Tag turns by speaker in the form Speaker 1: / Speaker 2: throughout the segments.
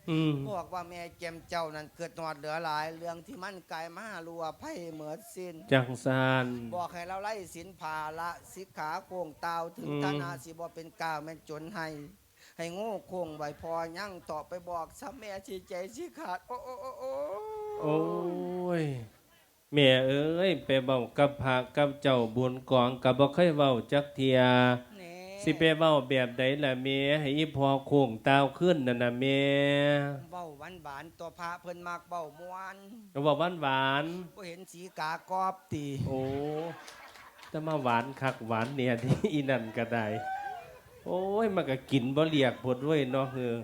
Speaker 1: บอกว่าแม่แจมเจ้านั้นเกิดนอดเหลือหลายเรื่องที่มันกลายมาลัวไพ่เหมือดสิ้น
Speaker 2: จังซาน
Speaker 1: บอกให้เราไล่สินภาละสิกขาโคงเตาถึงธนาสิบ่เป็นกาวแม่นจนให้โง่โคงไว้พอยั่งต่อไปบอกซ้ำแม่ชีใจชีขาดโอ้โอ้โอ้โอ้
Speaker 2: โอ้ยแม่เอ้ยไปเว้ากับพระกับเจ้าบุญกองกับบ่เคยเว้าจักเทียสิไปเว้าแบบใดล่ะแม่ให้อีพอโค้งตาวขึ้นนั่นน่ะแม่
Speaker 1: เบ้าหวานหวานตัวพระเพิ่นมากเบ้ามวน
Speaker 2: เว้าหวาน
Speaker 1: บ่เห็นสีกากอบตี
Speaker 2: โอ้จะมาหวานคักหวานเนี่ยที่อีนั่นก็ได้โอ้ยมันก็กินบ่เรียกพดเว้ยเนาะเฮือ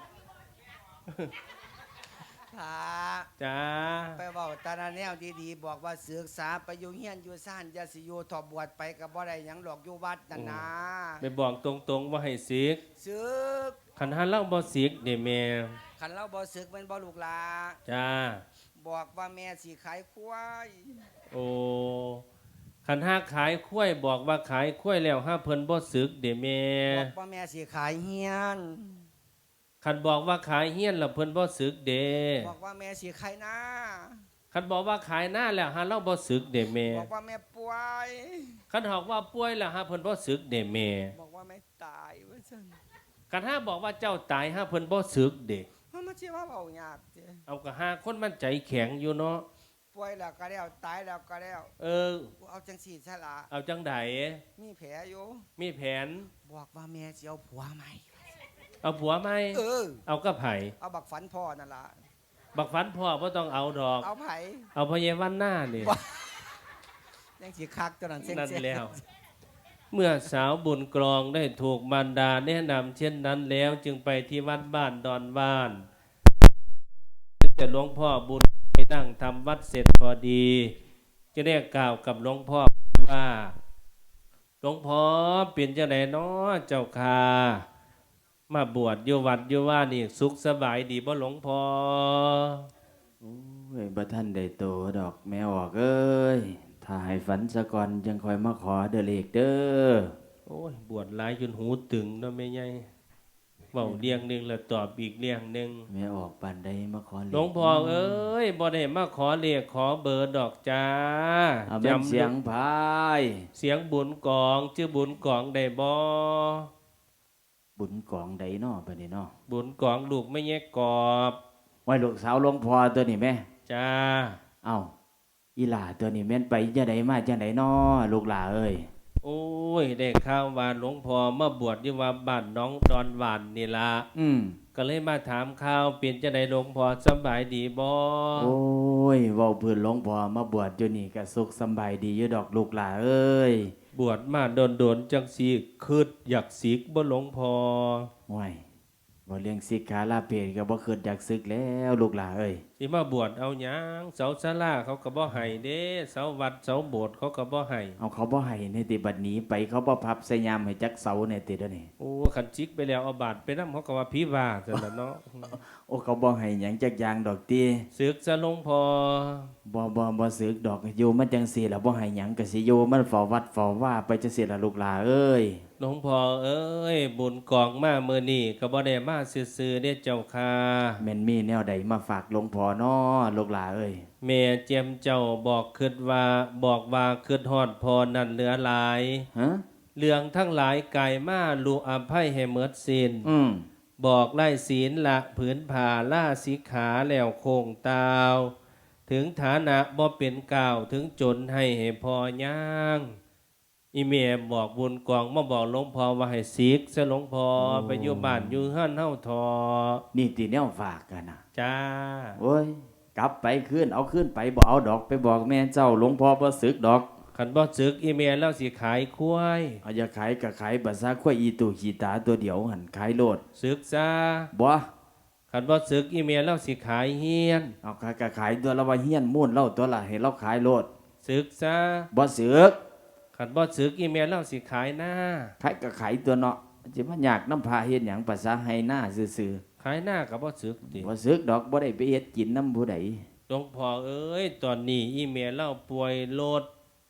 Speaker 1: พระ
Speaker 2: จ้า
Speaker 1: ไปเว้าตาแนวดีๆบอกว่าศึกษาไปอยู่เฮียนอยู่ซ่านอย่าสิอยู่ทอบวชไปก็บ่ได้หยังหรอกอยู่วัดนั่นนะ
Speaker 2: ไปบอกตรงๆว่าให้ศึก
Speaker 1: ศึก
Speaker 2: คันหาเล่าบ่ศึกนี่แม่
Speaker 1: คันเราบ่ศึกเป็นบ่ลูกหลา
Speaker 2: จ้า
Speaker 1: บอกว่าแม่สิขายควาย
Speaker 2: โอ้คันหาขายข้วยบอกว่าขายข้วยแล้วห้าเพิ่นบ่ศึกเด้แม่
Speaker 1: บอกว่าแม่สิขายเฮียน
Speaker 2: คันบอกว่าขายเฮียนแล้วเพิ่นบ่ศึกเด้
Speaker 1: บอกว่าแม่สิขายหน้า
Speaker 2: คันบอกว่าขายหน้าแล้วหาเราบ่ศึกเด้แม่
Speaker 1: บอกว่าแม่ป่วย
Speaker 2: คันบอกว่าป่วยแล้วหาเพิ่นบ่ศึกเด้แม่
Speaker 1: บอกว่าแม่ตายว่าซั่น
Speaker 2: คันหาบอกว่าเจ้าตายหาเพิ่นบ่ศึกเด้
Speaker 1: มันสิว่าเว้ายากเด้
Speaker 2: เอาก็หาคนมันใจแข็งอยู่เนาะ
Speaker 1: ป่วยแล้วก็แล้วตายแล้วก็แล้วเอาจังสี่ซะละ
Speaker 2: เอาจังได
Speaker 1: มีแผลอยู่
Speaker 2: มีแผน
Speaker 1: บอกว่าแม่สิเอาผัวใหม่
Speaker 2: เอาผัวไหมเอากับไผ
Speaker 1: เอาบักฝันพ่อนั่นล่ะ
Speaker 2: บักฝันพ่อบ่ต้องเอาดอก
Speaker 1: เอาไผ
Speaker 2: เอาพญาวันหน้านี่
Speaker 1: ยังสิคักตัวนั้นเส้น
Speaker 2: นั่นแล้วเมื่อสาวบุญกรองได้ถูกมารดาแนะนำเช่นนั้นแล้วจึงไปที่วัดบ้านดอนบ้านจะหลวงพ่อบุญไปนั่งทำวัดเสร็จพอดีจะได้กล่าวกับหลวงพ่อว่าหลวงพ่อเป็นจังไดน้อเจ้าค่ะมาบวชอยู่วัดอยู่ว่านี่สุขสบายดีบ่หลวงพ่อ
Speaker 3: โอ้ยบ่ท่านได้โตดอกแม่ออกเอ้ยถ้าให้ฝันซะก่อนจังคอยมาขอเด้อเลขเด้อ
Speaker 2: โอ้ยบวชหลายจนหูตึงเนาะแม่ใหญ่เว้าเรียงนึงแล้วตอบอีกเรียงนึง
Speaker 3: แม่ออกปานใดมาขอเลข
Speaker 2: หลวงพ่อเอ้ยบ่ได้มาขอเลขขอเบอร์ดอกจ้า
Speaker 3: จำเสียงพาย
Speaker 2: เสียงบุญกองชื่อบุญกองได้บ่
Speaker 3: บุญกองใดน้อบัดนี้น้อ
Speaker 2: บุญกองลูกไม่แยกกอบ
Speaker 3: ไว้ลูกสาวหลวงพ่อตัวนี้แม่
Speaker 2: จ้า
Speaker 3: เอ้าอีหล่าตัวนี้แม่นไปจังไดมาจังไดน้อลูกหล่าเอ้ย
Speaker 2: โอ้ยได้ข่าวว่าหลวงพ่อมาบวชอยู่ว่าบ้านน้องดอนหวานนี่ล่ะก็เลยมาถามข่าวเป็นจังไดหลวงพ่อสบายดีบ่
Speaker 3: โอ้ยเว้าพื้นหลวงพ่อมาบวชอยู่นี่ก็สุขสบายดีอยู่ดอกลูกหล่าเอ้ย
Speaker 2: บวชมาโดนจังสิคิดอยากสิกบ่หลวงพ่อ
Speaker 3: โอ้ยบ่เลี้ยงสิกขาลาเพศก็บ่คิดอยากศึกแล้วลูกหล่าเอ้ย
Speaker 2: สิมาบวชเอาหยังเสาศาลาเขาก็บ่ให้เด้เสาวัดเสาโบสถ์เขาก็บ่ให้
Speaker 3: เอาเขาบ่ให้ในติบัดนี้ไปเขาบ่พับใส่ยามให้จักเสาในติเด้อนี่
Speaker 2: โอ้คันจิกไปแล้วเอาบาดไปนำเขาก็ว่าผีว่าซั่นล่ะเนาะ
Speaker 3: โอ้เขาบ่ให้หยังจักอย่างดอกติ
Speaker 2: ศึกซะหลวงพ่อ
Speaker 3: บ่ศึกดอกอยู่มันจังซี่ล่ะบ่ให้หยังก็สิอยู่มันเฝ้าวัดเฝ้าว่าไปจังซี่ล่ะลูกหล่าเอ้ย
Speaker 2: หลวงพ่อเอ้ยบุญกองมามื้อนี้ก็บ่ได้มาซื่อๆเด้เจ้าค่ะ
Speaker 3: แม่นมีแนวใดมาฝากหลวงพ่อน้อลูกหล่าเอ้ย
Speaker 2: แม่เจียมเจ้าบอกคิดว่าคิดฮอดพอนั่นเหลือหลายเรื่องทั้งหลายกายมาลุอภัยให้หมดสิ้นบอกไล่ศีลละผืนผ่าล่าสิกขาแล้วโคงตาวถึงฐานะบ่เป็นกล่าวถึงจนให้พอย่างอีเมียบอกบุญกองมาบอกหลวงพ่อว่าให้สิกซะหลวงพ่อไปอยู่บ้านอยู่เฮือนเฮาทอ
Speaker 3: นี่ติแนวฝากกันนะ
Speaker 2: จ้า
Speaker 3: โอ้ยกลับไปขึ้นเอาขึ้นไปบ่เอาดอกไปบอกแม่เจ้าหลวงพ่อบ่สึกดอก
Speaker 2: คันบ่สึกอีเมียแล้วสิขายควาย
Speaker 3: เอาอย่าขายก็ขายบัดซะควายอีตู่ขี้ตาตัวเดียวหั่นขายโลด
Speaker 2: สึกซะ
Speaker 3: บ่
Speaker 2: คันบ่สึกอีเมียแล้วสิขายเฮียน
Speaker 3: เอาขายก็ขายตัวละว่าเฮียนมู้นเล่าตัวละให้เราขายโลด
Speaker 2: สึกซะ
Speaker 3: บ่สึก
Speaker 2: คันบ่สึกอีเมียแล้วสิขายหน้า
Speaker 3: ขายก็ขายตัวเนาะสิมายากน้ำพาเฮ็ดหยังภาษาให้หน้าซื่อ
Speaker 2: ๆขายหน้าก็บ่สึกติ
Speaker 3: บ่สึกดอกบ่ได้ไปเฮ็ดกินนำผู้ใด
Speaker 2: หลวงพ่อเอ้ยตอนนี้อีเมียเล่าป่วยโลด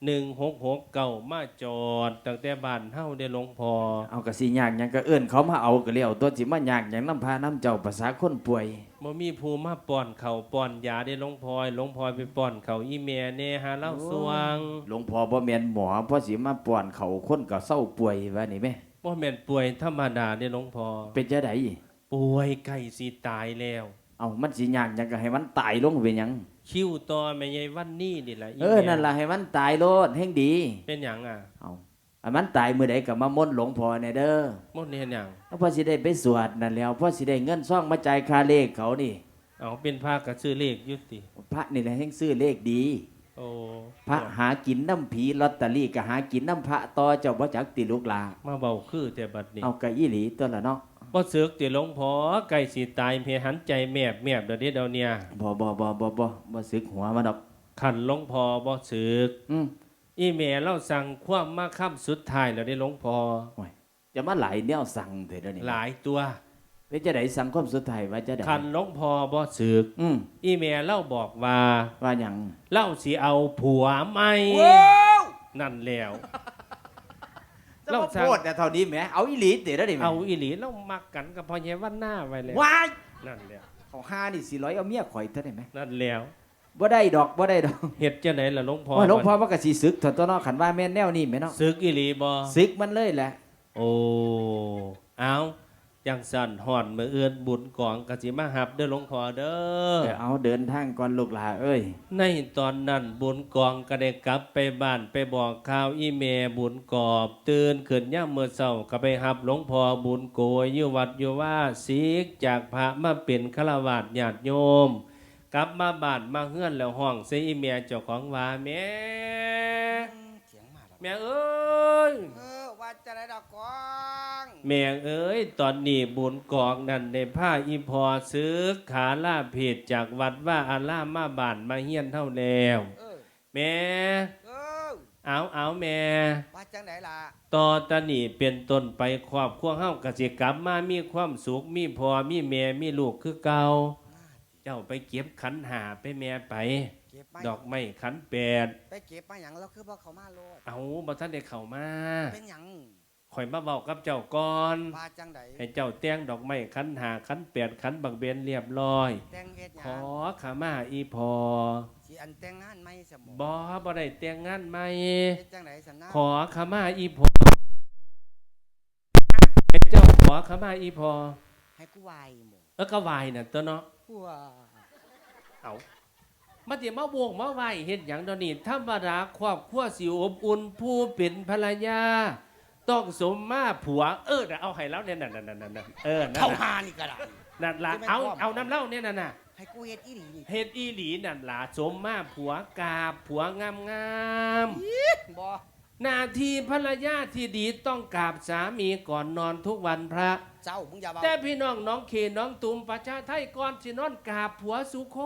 Speaker 2: 1669มาจอดตั้งแต่บ้านเฮาได้หลวงพ่อ
Speaker 3: เอากะสิยากหยังก็เอิ้นเขามาเอาก็แล้วตัวสิมายากหยังนำพาน้ำเจ้าภาษาคนป่วย
Speaker 2: บ่มีผู้มาป้อนข้าวป้อนยาได้หลวงพ่อหลวงพ่อไปป้อนข้าวอีแม่แน่หาเล่าสว่าง
Speaker 3: หลวงพ่อบ่แม่นหมอเพราะสิมาป้อนเขาคนก็เศร้าป่วยว่านี่แม่
Speaker 2: บ่แม่นป่วยธรรมดาได้หลวงพ่อ
Speaker 3: เป็นจังได๋
Speaker 2: ป่วยใกล้สิตายแล้ว
Speaker 3: เอามันสิยากหยังก็ให้มันตายลงเป็นหยัง
Speaker 2: คิวต่อแม่ใหญ่วันนี้นี่แหละ
Speaker 3: เออนั่นล่ะให้มันตายโลดแห่งดี
Speaker 2: เป็นหยังอ่ะ
Speaker 3: เอาอันมันตายมื้อใดก็มามนต์หลวงพ่อแน่เด้อ
Speaker 2: หมดเฮ็ดหยัง
Speaker 3: เอาพอสิได้ไปสวดนั่นแล้วพอสิได้เงินซ่องมาจ่ายค่าเลขเขานี่
Speaker 2: เอาเป็นพระก็ซื้อเลขอยู่ติ
Speaker 3: พระนี่แหละแห่งซื้อเลขดี
Speaker 2: โอ้
Speaker 3: พระหากินน้ำผีลอตเตอรี่ก็หากินน้ำพระต่อเจ้าบ่จักติลูกหลา
Speaker 2: มาเบาคือแต่บัดนี้
Speaker 3: เอากะอีหลีตัวละเนาะ
Speaker 2: บ่สึกติหลวงพ่อใกล้สิตายเพียหันใจแมบเดี๋ยวนี้เดี๋ยวเนี่ย
Speaker 3: บ่สึกหัวมันดอก
Speaker 2: ขันหลวงพ่อบ่สึก
Speaker 3: อืม
Speaker 2: อีแม่เราสั่งความมาค่ำสุดท้ายแล้วได้หลวงพ่อ
Speaker 3: โอ้ยจะมาหลายแนวสั่งเถิดเดี๋ยวนี้
Speaker 2: หลายตัว
Speaker 3: เป็นจะได้สั่งความสุดท้ายว่าจะได้
Speaker 2: ขันหลวงพ่อบ่สึก
Speaker 3: อืม
Speaker 2: อีแม่เล่าบอกว่า
Speaker 3: ว่าหยัง
Speaker 2: เล่าสิเอาผัวใหม่
Speaker 1: ว้าว
Speaker 2: นั่นแล้ว
Speaker 3: จะ
Speaker 2: เรา
Speaker 3: มา
Speaker 2: สั่ง
Speaker 3: โพดแต่เท่านี้แหมเอาอีหลีเถิดเดี๋ยวนี้แหม
Speaker 2: เอาอีหลีเรามักกันกับพ่อแย่วันหน้าไว้แล้ว
Speaker 3: ว้าย
Speaker 2: นั่นแล้ว
Speaker 3: เขาหานี่400เอาเมียข่อยเท่าได้ไหม
Speaker 2: นั่นแล้ว
Speaker 3: บ่ได้ดอกบ่ได้ดอก
Speaker 2: เฮ็ดจังไดล่ะหลวงพ่อ
Speaker 3: โอ้ยหลวงพ่อว่าก็สิสึกเถอะตัวเนาะคันว่าแม่นแนวนี้แม่เนาะ
Speaker 2: สึกอีหลีบ่
Speaker 3: สึกมันเลยแหละ
Speaker 2: โอ้เอาจังสั่นหอนมื้ออื่นบุญกองก็สิมาหับเด้อหลวงพ่อเด้อ
Speaker 3: เอาเดินทางก่อนลูกหลาเอ้ย
Speaker 2: ในตอนนั้นบุญกองก็ได้กลับไปบ้านไปบอกข่าวอีเมบุญกอบตื่นขึ้นย่ามเมื่อเช้าก็ไปหับหลวงพ่อบุญโกยอยู่วัดอยู่ว่าสีกจากพระมาเป็นฆราวาสญาติโยม กลับมาบ้านมาเฮือนแล้วห้องใส่อีเมเจ้าของว่าแม่
Speaker 1: เสียงมาแล้ว
Speaker 2: แม่เอ้ย
Speaker 1: ว่าจะได้ดอกกอง
Speaker 2: แม่เอ้ยตอนนี้บุญกองนั่นได้ผ้าอีพอซื้อขาล่าเพจจากวัดว่าอาล่ามาบ้านมาเฮียนเท่าแล้ว แม่
Speaker 1: เออ
Speaker 2: เอาแม่
Speaker 1: ว่าจังไหนล่ะ
Speaker 2: ต่อตะนี่เป็นต้นไปครอบครัวเฮากสิกลับมามีความสุขมีพ่อมีแม่มีลูกคือเก่าเจ้าไปเก็บขันหาไปแม่ไป
Speaker 1: เก็บมา
Speaker 2: ดอกไม้ขันแปด
Speaker 1: ไปเก็บมาหยังแล้วคือบ่เขามาโลด
Speaker 2: เอาบ่ทันได้เข้ามา
Speaker 1: เป็นหยัง
Speaker 2: ข่อยมาเว้ากับเจ้าก่อน
Speaker 1: ว่าจังได
Speaker 2: ให้เจ้าแต่งดอกไม้ขันหาขันแปดขันบักเบนเรียบร้อย
Speaker 1: แต่งเฮ็ดห
Speaker 2: ข
Speaker 1: ยั
Speaker 2: อง ขมาอีพอ
Speaker 1: สิอันแต่งงานไหมสม
Speaker 2: บ่ได้แต่งงานใหม่
Speaker 1: เฮ็ดจังไดสันนะ
Speaker 2: ขอขมาอีพอให้เจ้าขอขมาอีพอ
Speaker 1: ให้กูไหวหมด
Speaker 2: ก็วายน่ะตัวเนาะ
Speaker 1: ว้า
Speaker 2: เอามาเดี๋ยวมาโบกมาไหวเห็นอย่างเดยวนี้ธรรมดาครอบครัวสิอบอุ่นผู้เป็นภรรยา ต้องสมมาผัว น่ะเอาให้แล้วเนี่ยนั่นนั่นนั่น
Speaker 1: เข้าหานี่ก็ได้
Speaker 2: นั่นละเอาน้ำเล่าเนี่ยนั่นน่ะ
Speaker 1: ให้กูเฮ็ดอีหลีนี่
Speaker 2: เฮ็ดอีหลีนั่นล่ะสมมาผัวกาบผัวงาม
Speaker 1: บ่
Speaker 2: หน้าที่ภรรยาที่ดีต้องกราบสามีก่อนนอนทุกวันพระ
Speaker 1: เจ้ามึงอย่าเบา
Speaker 2: แต่พี่น้องน้องเขน้องตุ่มประชาไทยก่อนสินอนกราบผัวสุคน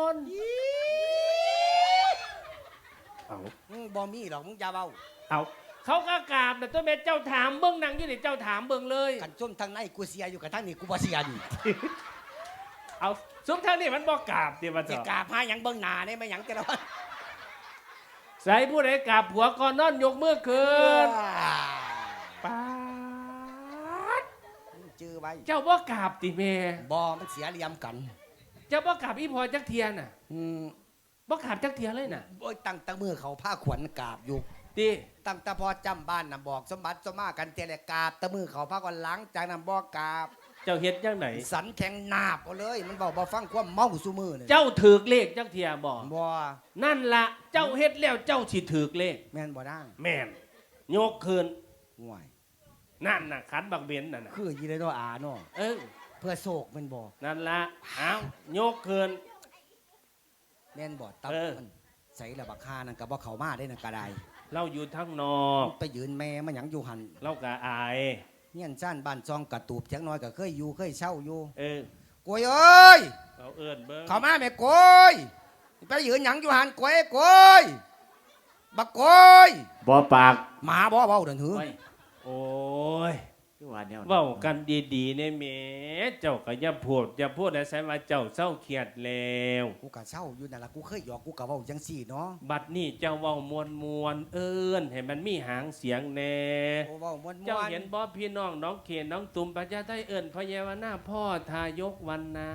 Speaker 2: เอา
Speaker 1: บ่มีหรอกมึงอย่าเบา
Speaker 2: เอาเขาก็กราบนะตัวแม่เจ้าถามเบิ้งนางอยู่นี่เจ้าถามเบิ้งเลย
Speaker 1: กันจุ่มทางในกูเสียอยู่กับทางนี้กูบ่เสียนี่
Speaker 2: เอาสุดทางนี้มันบอกกราบเดี๋ยวมา
Speaker 1: สิ
Speaker 2: เถอะ
Speaker 1: กราบหาหยังเบิ่งหน้าได้มั้ยหยังแต่ละวัน
Speaker 2: ใส่ผู้ใดกราบผัวก่อนนอนยกมือขึ้นป๊าด
Speaker 1: มึงจื้อไว้
Speaker 2: เจ้าบ่กราบติแม่
Speaker 1: บ่มันเสียเหลี่ยมกัน
Speaker 2: เจ้าบ่กราบอีพอจักเทียน่ะ
Speaker 1: อืม
Speaker 2: บ่กราบจักเทียเลยน่ะ
Speaker 1: โอ้ยตั้งแต่มือเขาผ้าขวัญกราบอยู่
Speaker 2: ดิ
Speaker 1: ตั้งแต่พอจำบ้านน่ะบอกสมบัติสมมากันเตะแหละกราบแต่มือเขาผ้าก่อนหลังจากนั้นบ่กราบ
Speaker 2: เจ้าเฮ็ดจังไหน
Speaker 1: สันแข็งนาบเอาเลย มันบอกบ่ฟังความเมาซุมือเลย
Speaker 2: เจ้าถือเลขจักเทียบ่
Speaker 1: บ่
Speaker 2: นั่นละเจ้าเฮ็ดแล้วเจ้าสิถือเลข
Speaker 1: แม่นบ่ได้
Speaker 2: แม่นยกคืน
Speaker 1: ห่วย
Speaker 2: นั่นน่ะขันบักเบนนั่นน่ะ
Speaker 1: คือยีเลยตัวอาเนาะ
Speaker 2: เออ
Speaker 1: เพื่อโศกแมันบ่
Speaker 2: นั่นละเอายกคืน
Speaker 1: แม่นบ่ตับ
Speaker 2: เออ
Speaker 1: มันใส่ละบักคานั่นก็บ่เข้ามาได้นั่นก็ได้
Speaker 2: เราอยู่ทั้งนอก
Speaker 1: ไปยืนแม่มันหยังอยู่หัน
Speaker 2: เราก็อาย
Speaker 1: เฮียนซ่านบ้านซองกระตูบจักหน้อยก็เคยอยู่เคยเช่าอยู่
Speaker 2: เออ
Speaker 1: กวยเอ้ย
Speaker 2: เราเอิ้นเบิ่ง
Speaker 1: เข้ามาแม่กวยไปยืนหยังอยู่หันกวยกวยบักกวย
Speaker 3: บ่ปาก
Speaker 1: หมาบ่เว้าเดินหือ
Speaker 2: โอ้ย
Speaker 1: เ
Speaker 3: ว่าแนวนั้น
Speaker 2: เว้ากันดีๆเนี่ยแหม่เจ้าก็อย่าพูดให้ใส่ว่าเจ้าเศร้าเครียดแล้ว
Speaker 4: กูกะเศร้าอยู่นั่นล่ะกูเคยหยอกกูกะเว้าจังซี่เนาะ
Speaker 2: บัดนี้เจ้าเว้ามวนเอิ้นให้มันมีหางเสียงแน่
Speaker 4: โอ้เว้าม่วน
Speaker 2: เจ้าเห็นบ่พี่น้องน้องเขนน้องตุ่มประชาไทยเอิ้นพระเยาวนาพ่อทายกวันนา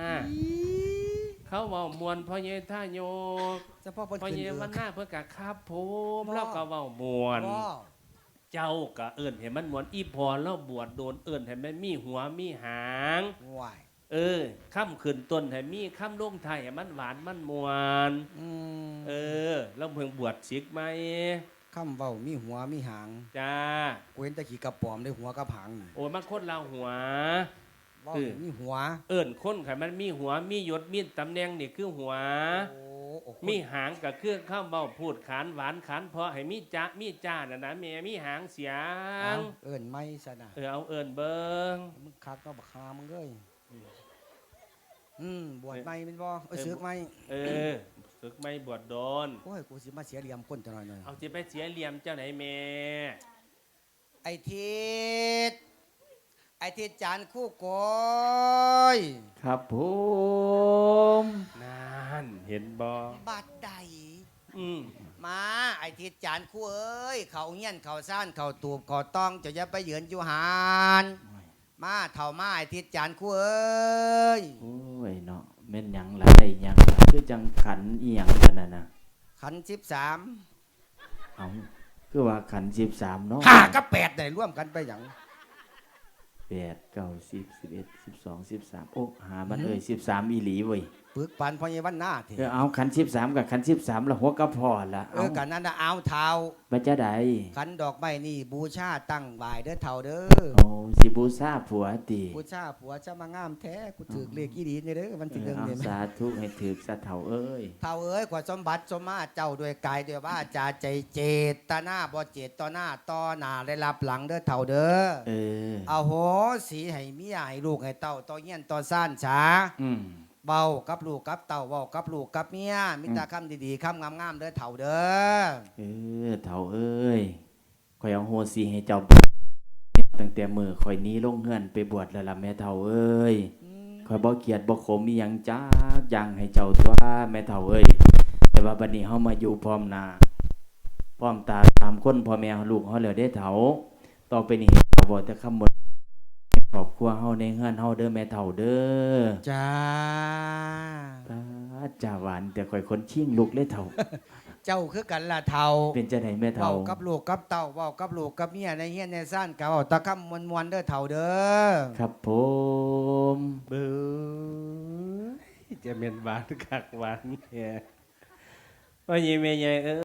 Speaker 2: เขาเว้ามวนพ่อเยทายก
Speaker 4: เฉพาะเพิ่น
Speaker 2: พ่อ
Speaker 4: ขึ้น
Speaker 2: เย
Speaker 4: เอ
Speaker 2: วัน
Speaker 4: อ
Speaker 2: นาเพื่อกะครับผม
Speaker 4: บ่
Speaker 2: แล้วก็เว้ามวน
Speaker 4: บ่
Speaker 2: เจ้าก็เอิ้นให้มันมวนอีพอแล้วบวชโดนเอิ้นให้มันมีหัวมีหาง
Speaker 4: ห่วย
Speaker 2: ค่ำขึ้นต้นให้มีค่ำลงไทายให้มันหวานมันมวน แล้วเพิ่งบวชศิกไหม
Speaker 4: คำเว้ามีหัวมีหาง
Speaker 2: จ้า
Speaker 4: กูเห็นแตะขี้กระป๋อมได้หัวกับหางนี่
Speaker 2: โอ้ยมันคนเราหัว
Speaker 4: เว้า
Speaker 2: เออ
Speaker 4: มีหัว
Speaker 2: เอิ้นคนไขมันมีหัวมียศมีตำแหน่งนี่คือหัว
Speaker 4: โอ้
Speaker 2: มีหางกับเครื่องข้าวเบาพูดขานหวานขานเพราะให้มีจ้ามีจ้าน่ะนะแม่มีหางเสีย
Speaker 4: เอาเอิ้นไม่ซะนะ
Speaker 2: เอาเอิ้นเบิง
Speaker 4: มึงคักก็บักฮามึงเอ้ยบวชไม่เป็นบ่สึกไม่
Speaker 2: ฝึกไม่บวชโดน
Speaker 4: โอ้ยกูสิมาเสียเหลี่ยมคนจังหน่อยหน่อย
Speaker 2: เอาสิไปเสียเหลี่ยมเจ้าไหนแม่
Speaker 4: ไอ้ทิศไอ้ทิศจานคู่โกย
Speaker 3: ครับผม
Speaker 2: นั่นเห็นบ่
Speaker 4: บัดใด
Speaker 2: อืม
Speaker 4: มาไอ้ทิศจานคู่เอ้ยเขาเงี้ยนเขาซ่านเขาตูบเขาต้องจะอย่าไปเหยือนอยู่หานมาเท่ามาไอ้ทิศจานคู่เอ้ย
Speaker 3: โอ้ยเนาะแม่นหยังล่ะได้หยังล่ะคือจังขันอีหยังกันน่ะ
Speaker 4: ขัน13
Speaker 3: เอาคือว่าขัน13เนาะ
Speaker 4: 5กับ8ได้ร่วมกันไปหยัง
Speaker 3: 8 9 10 11 12 13โอ้หามัน13อีหลีเว้ย
Speaker 4: ปึกปันพอเยวันหน้าเถ
Speaker 3: เอาขัน13กับขัน13ละหัวกระพอละเอา
Speaker 4: กันนั่นน่ะเอาเท้า
Speaker 3: บัจะใด
Speaker 4: ขันดอกไม้นี่บูชาตั้งบ่ายเด้อเท่าเด้อ
Speaker 3: โอ้สิบูชาผัวติ
Speaker 4: บูชาผัวจะมางามแท้กูถือเลขอีดีนี่เด้อวันที่หนึ่ง
Speaker 3: เอา
Speaker 4: นี่
Speaker 3: สาธุให้ถึกสะเฒ่าเอ้ย
Speaker 4: เท่าเอ้ยกว่าสมบัติสมมาเจ้าด้วยกายด้วยว่าจาใจเจตนาบ่เจตต่อหน้าต่อหน้าได้รับหลังเด้อเท่าเด้อ
Speaker 3: เออ
Speaker 4: เอาโหสีให้เมียให้ลูกให้เต้าต่อเงี้ยนต่อซ่านช้า
Speaker 3: อืม
Speaker 4: เบากับลูกกับเต่าเบากับลูกกับเมียมิตรคำดีๆคำงามๆเด้อเถ่าเด้อ
Speaker 3: เออเฒ่าเอ้ยข่อยเอาโหสิให้เจ้าตั้งแต่มื้อข่อยหนี้ลงเฮือนไปบวชแล้วล่ะแม่เฒ่าเอ้ยข่อยบ่เกลียดบ่ขมมีหยังจักอย่างให้เจ้าตัวแม่เฒ่าเอ้ยแต่ว่าบัดนี้เฮามาอยู่พร้อมหน้าพร้อมตาตามคนพ่อแม่ลูกเฮาแล้วเด้เฒ่าต่อไปนี้บ่แต่คำหมดครอบครัวเฮาในเฮือนเฮาเด้อแม่เฒ่าเด้อ
Speaker 4: จ้า
Speaker 3: จ่าหวานแต่ข่อยคนชิ่งลูกเลยเฒ่า
Speaker 4: เจ้าคือกันล่ะเท่า
Speaker 3: เป็นจังได๋แม่เฒ่า
Speaker 4: เบากับลูกกับเต่าเบากับลูกกับเมียในเฮียนในซ่านกับเอาตะคำมวนๆเด้อเถ่าเด้อ
Speaker 3: ครับผม
Speaker 2: เบ้อจะเป็นหวานคักหวานแค่ว่ายีแม่ใหญ่